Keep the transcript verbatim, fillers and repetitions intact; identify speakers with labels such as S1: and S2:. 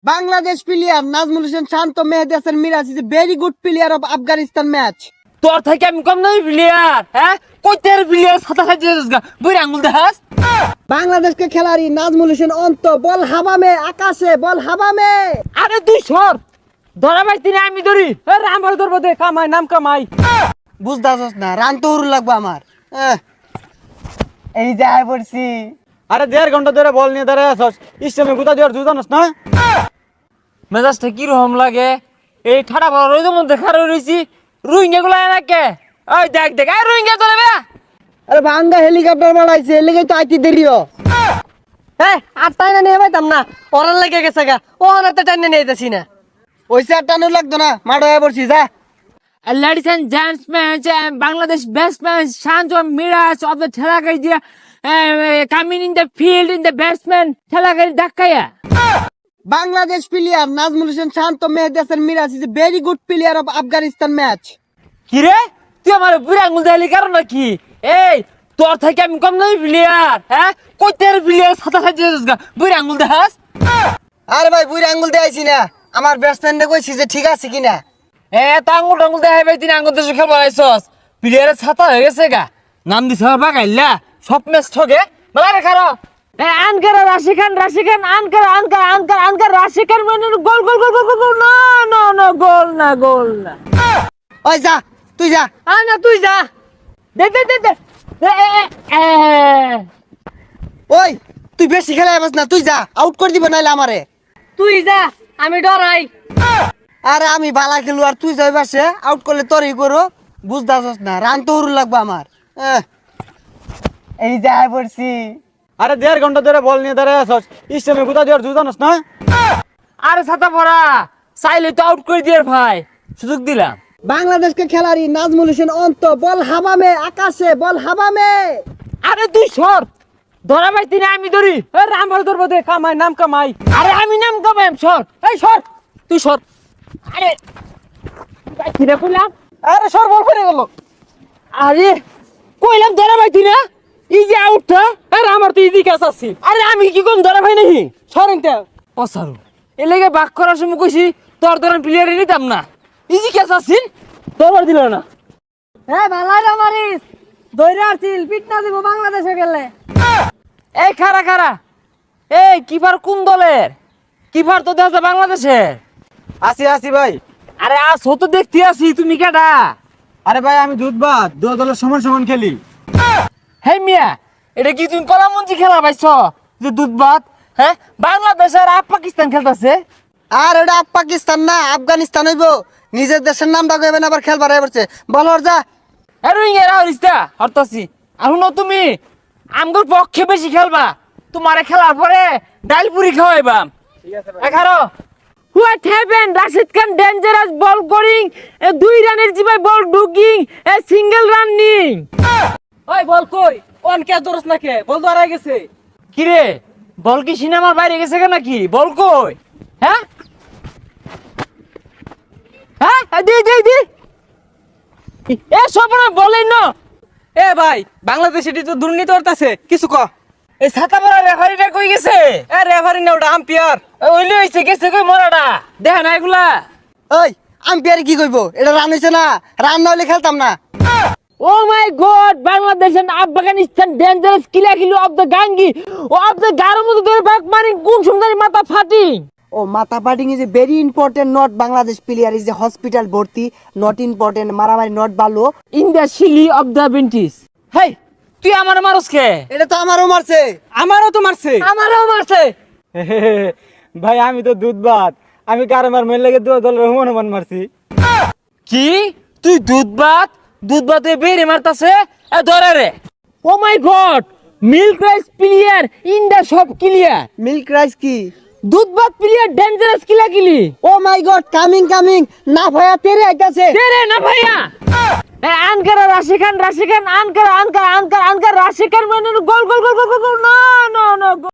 S1: Bangladesh player Nazmul Hussain Shant Mehdi Hasan Miraz is a very good player of Afghanistan match.
S2: তোর থেকে আমি কম নই player হ্যাঁ কইতের player সাদা সাজিয়েছিস গা বুড়ি আঙ্গুল দেখাস
S1: বাংলাদেশকে খেলাড়ি নাজমুল হোসেন অন্ত বল হাওয়া আকাশে বল হাওয়া
S2: আরে তুই সর ধরা পাইতি না আমি ধরি এ রাম ভর ধরবো দে কামাই নাম কামাই
S1: বুঝদাছস না রান তো হুরু লাগবে আমার আহ, এই যায় পড়ছি
S3: আরে দেড় ঘন্টা ধরে বল নিয়ে দাঁড়ায় আছস ইসলামে গুতা দেওয়ার জুজানস না
S2: মেজাজটা কি রকম লাগে এই ঠাডা বড় রইদের মধ্যে খাড়া রইছি রুইঙ্গা গুলা এনাকে ওই দেখ দেখ আর রুইঙ্গা তোলে বে
S1: আরে ভাঙ্গা হেলিকপ্টার বাড়াইছে এলিগে তো আইতি দেরিও
S4: এ আর তাই না নিয়ে পাইতাম না ওরার লেগে গেছে গা ও অনেকটা টাইনে নিয়ে যেতেছি না
S1: ওই চারটানো লাগতো না মাঠ হয়ে পড়ছি যা
S2: ladies and gentlemen, uh, Bangladesh batsman Shanto Miraz of the Telagaria uh, coming in the field in the batsman Telagari Dakaya.
S1: Bangladesh player Najmul Hossain Shanto Mehedi Hasan Miraz is a very good player of Afghanistan match
S2: কি রে তুই আমার বুড়ি আঙ্গুল দেখালি কারণ নাকি এই তোর থেকে আমি কম নই প্লেয়ার হ্যাঁ কইতের প্লেয়ার সাদা সাজিয়েছিস গা বুড়ি আঙ্গুল দেখাস
S1: আরে ভাই বুড়ি আঙ্গুল দেখাইছি না আমার ব্যাটসম্যানকে কইছি যে ঠিক আছে কিনা
S2: এ তা আঙ্গুল টাঙ্গুল দেখাই পাই তিন আঙ্গুল দেশে খেলবার আইসস প্লেয়ারের ছাতা হয়ে গেছে গা নাম দিছে আমার বাগাইলা সব ম্যাচ ঠকে বলা রে খারো এ আনকার রাশি খান রাশি খান আনকার আনকার আনকার আনকার রাশি খান মানে গোল গোল গোল গোল গোল না না না গোল না গোল না
S1: ওই যা তুই যা
S4: আ না তুই যা
S2: দে দে দে দে এ, এ, এ, এ।
S1: ওই তুই বেশি খেলাই বাস না তুই যা আউট করে দিব নাইলে আমারে
S4: তুই যা আমি ডরাই
S1: আরে আমি বালা খেলু আর তুই যাই বাসে আউট করলে তোরই করো বুঝদাছস না রান তো হুরু লাগবে আমার আহ, এই যায় পড়ছি
S3: আরে দেড় ঘন্টা ধরে বল নিয়ে দাঁড়ায় আছস ইসলামে গুতা দেওয়ার জুজানস না
S2: আরে ছাতা পড়া চাইলে তো আউট করে দিয়ে ভাই সুযোগ দিলাম
S1: বাংলাদেশকে খেলাড়ি নাজমুল হোসেন অন্ত বল হাওয়া আকাশে বল হাওয়া
S2: আরে তুই সর ধরা পাইতি না আমি ধরি
S4: এ রাম ভর ধরবো দে কামাই নাম কামাই
S2: আরে আমি নাম কামাই সর এই সর তুই সর আরে পাইতি না কইলাম
S4: আরে সর বল ফিরে গেল
S2: আরে কইলাম ধরা পাইতি না এই যে আউটটা
S4: আরে আমার তো ইজি ক্যাচ আছে
S2: আরে আমি কি কম ধরা পাই নাকি
S4: সরেন তে
S2: অসারু এর লেগে বাক করার সময় কইছি তোর ধরেন প্লেয়ারে নিতাম না ইজি ক্যাচ আসিন তোর দিল না
S4: এ ভালাই রে মারিস দইরা আসিল পিট না দিব বাংলাদেশে গেলে
S2: এই খারা খারা এই কিপার কোন দলের কিপার তো দেখা বাংলাদেশের
S3: আসি আসি ভাই
S2: আরে আজ তো দেখতে আসি তুমি কেডা
S3: আরে ভাই আমি দুধবাদ দু দলের সমান সমান খেলি
S2: হে মিয়া এটা কি তুমি কলামঞ্জি খেলা পাইছ যে দুধ ভাত হ্যাঁ বাংলাদেশ আর আপ পাকিস্তান খেলতেছে
S1: আর এটা আপ পাকিস্তান না আফগানিস্তান হইব নিজের দেশের নামটা কইবেন আবার খেলবার হয়ে পড়ছে বল ওর যা
S2: আর রোহিঙ্গা হরিস্তা হরতাছি আর শুনো তুমি আমগোর পক্ষে বেশি খেলবা তোমারে খেলার পরে ডাল পুরি খাওয়াইবা এগারো what happen Rashid Khan dangerous ball করিং দুই রানের জিবাই বল ডুকিং এ সিঙ্গেল রানিং
S4: ওই বল কই অন কে দরস না কে বল ধরা গেছে
S2: কি রে বল কি সিনেমার বাইরে গেছে কেন নাকি বল কই হ্যাঁ হ্যাঁ দি দি দি এ সবনা বলেন না
S4: এ ভাই বাংলাদেশ এটি তো দুর্নীতি করতেছে কিছু ক
S2: এই ছাতা পরা রেফারিটা কই গেছে
S4: এ রেফারি না ওটা আম্পায়ার
S2: ওইলে হইছে গেছে কই মরাটা দেখ না এগুলা
S1: ওই আম্পায়ার কি কইব এটা রান হইছে না রান না হলে খেলতাম না
S2: oh my god Bangladesh and Afghanistan dangerous কিলা কিলো অফ দ্য গাঙ্গি অফ দ্য গারো মতো ধরে বাক মারি কোন সুন্দরী মাথা ফাটি
S1: ও মাথা পাটিং is a very important not Bangladesh player is a hospital ভর্তি নট ইম্পর্টেন্ট মারামারি নট ভালো
S2: ইন দ্য শিলি অফ দ্য বেন্টিস হেই তুই আমার মারস কে
S1: এটা তো আমারও মারছে
S4: আমারও তো মারছে
S2: আমারও মারছে
S3: ভাই আমি তো দুধবাদ আমি কারমার মেল লেগে দু দলের হুমান হুমান মারছি
S2: কি তুই দুধ ভাত দুধ ভাতে বেরে মারতাছে এ ধরে রে oh my god milk rice player in the সব ক্লিয়ার
S1: মিল্ক রাইস কি
S2: দুধ ভাত প্লেয়ার ডেঞ্জারাস কিলা কিলি
S1: oh my god coming coming না ভাইয়া তেরে আইতাছে
S2: তেরে না ভাইয়া এ আনকার রাশি খান রাশি খান আনকার আনকার আনকার আনকার রাশি খান মানে গোল গোল গোল গোল গোল না না না